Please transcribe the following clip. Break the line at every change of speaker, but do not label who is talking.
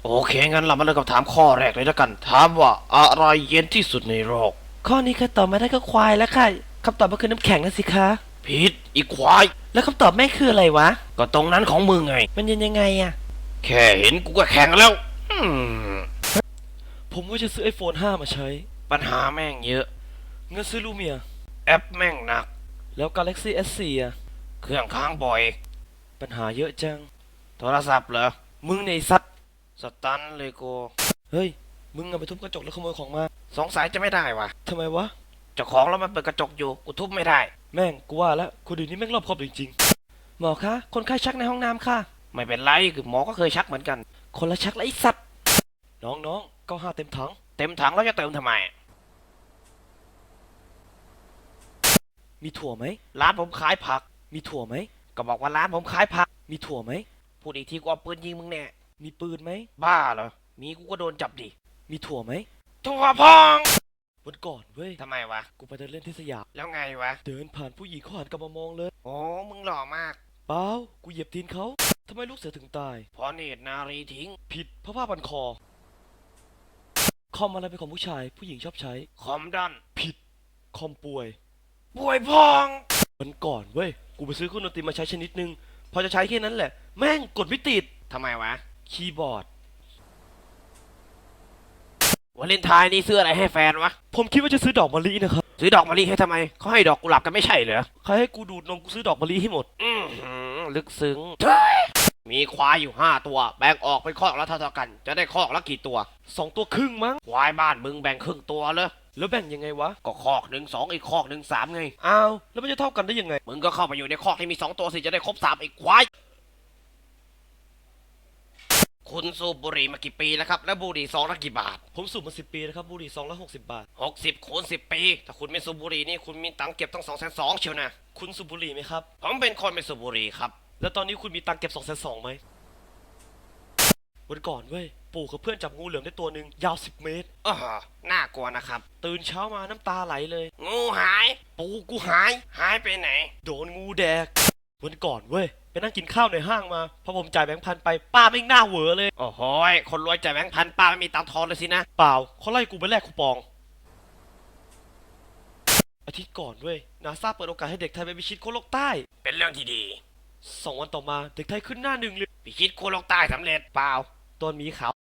โอเคงั้นเรามาเริ่มกับถามข้อแรกเลยแล้วกันถามว่าอะไรเย็นที่สุดในโลก
ข้อนี้ค่ะตอบมาได้ก็ควายแล้วค่ะคำตอบมันคือน้ำแข็งนะสิคะ
ผิดอีควาย
แล้วคำตอบแม่คืออะไรวะ
ก็ตรงนั้นของมึงไง
มันเย็นยังไงอะ
แค่เห็นกูก็แข็งแล้ว
ผมว่าจะซื้อ iPhone 5มาใช้
ปัญหาแม่งเยอะ
เงินซื้อลูเมีย
แอปแม่งหนัก
แล้ว Galaxy S4 อะ
เครื่องค้างบ่อย
ปัญหาเยอะจัง
โทรศัพท์เหรอ
มึงในสัตว์
สตันเลยกู
เฮ้ยมึงเอาไปทุบกระจกแล้วขโมยของมา
สงสัยจะไม่ได้วะ
ทำไมวะ
เจ้าของแล้วมันเปิดกระจกอยู่กูทุบไม่ได้
แม่งกูว่าแล้วคนอื่นนี่แม่งรอบคอบจริงๆหมอคะคนไข้ชักในห้องน้ำค่ะ
ไม่เป็นไรคือหมอก็เคยชักเหมือนกัน
คนละชักแล้วไอ้สัตว์น้องๆ95เต็มถัง
เต็มถังแล้วจะเติมทำไม
มีถั่วไหม
ร้านผมขายผัก
มีถั่วไหม
ก็บอกว่าร้านผมขายผัก
มีถั่วไหม
พูดอีกทีกูเอาปืนยิงมึงแน่
มีปืนไหม
บ้าเหรอมีกูก็โดนจับดิ
มีถั่วไหม
ทั่วพอง
วันก่อนเว้ย
ทำไมวะ
กูไปเดินเล่นที่สยาม
แล้วไงวะ
เดินผ่านผู้หญิงเขาหันกลับมามองเลย
โอ้มึงหล่อมาก
เปล่ากูเหยียบตีนเขาทำไมลูกเสือถึงตาย
เพราะเนตรนารีทิ้ง
ผิดเพราะผ้าพันคอคอมอะไรเป็นของผู้ชายผู้หญิงชอบใช้
คอมดัน
ผิดคอมป่วย
ป่วยพอง
วันก่อนเว้ยกูไปซื้อเครื่องดนตรีมาใช้ชนิดนึงพอจะใช้แค่นั้นแหละแม่งกดไม่ติด
ทำไมวะ
คีย์บอร์ด
วาเลนไทน์นี่ซื้ออะไรให้แฟนวะ
ผมคิดว่าจะซื้อดอกมะลินะครับ
ซื้อดอกมะลิให้ทำไมเขาให้ดอกกุหลาบกันไม่ใช่เหรอ
ใครให้กูดูดนมกูซื้อดอกมะลิให้หมด
ลึกซึ้งมีควายอยู่5 ตัวแบ่งออกเป็นคอกละเท่าๆกันจะได้คอกละกี่ตัว
2 ตัวครึ่งมั้ง
ควายบ้านมึงแบ่งครึ่งตัวเลย
แล้วแบ่งยังไงวะ
ก็คอกหนึ่ง2อีกคอกหนึ่ง3ไง
อ้าวแล้วมันจะเท่ากันได้ยังไง
มึงก็เข้าไปอยู่ในคอกที่มี2 ตัวสิจะได้ครบ3อีกควายคุณสูบบุหรี่มากี่ปีแล้วครับแล้วบุหรี่ซองละกี่บาท
ผมสูบมา10 ปีนะครับบุหรี่ซองละ60 บาท
60คูณ10 ปีถ้าคุณไม่สูบบุหรี่นี่คุณมีตังค์เก็บตั้ง220,000เชียวนะ
คุณสูบบุหรี่ไหมครับ
ผมเป็นคนไม่สูบบุหรี่ครับ
แล้วตอนนี้คุณมีตังค์เก็บ220,000ไหมวันก่อนเว้ยปู่กับเพื่อนจับงูเหลือมได้ตัวหนึ่งยาว10 เมตร
น่ากลัวนะครับ
ตื่นเช้ามาน้ำตาไหลเลย
งูหายปูกูหายไปไหน
โดนงูแดกวันก่อนเว้ยไปนั่งกินข้าวในห้างมาพอผมจ่ายแบงค์ 1,000ไปป้าไม่งหน้าเหวอเลย
โอ้โหคนรวยจ่ายแบงค์ 1,000ป้าไม่มีตังค์ทอนเลยสินะ
เปล่าเขาไล่กูไปแลกคูปองอาทิตย์ก่อนเว้ยนาซาเปิดโอกาสให้เด็กไทยไปพิชิตขั้วโลกใต้
เป็นเรื่องที่ดี
2 วันต่อมาเด็กไทยขึ้นหน้า 1เลย
พิชิตขั้วโลกใต้สำเร็จ
เปล่าตอนหมีขาว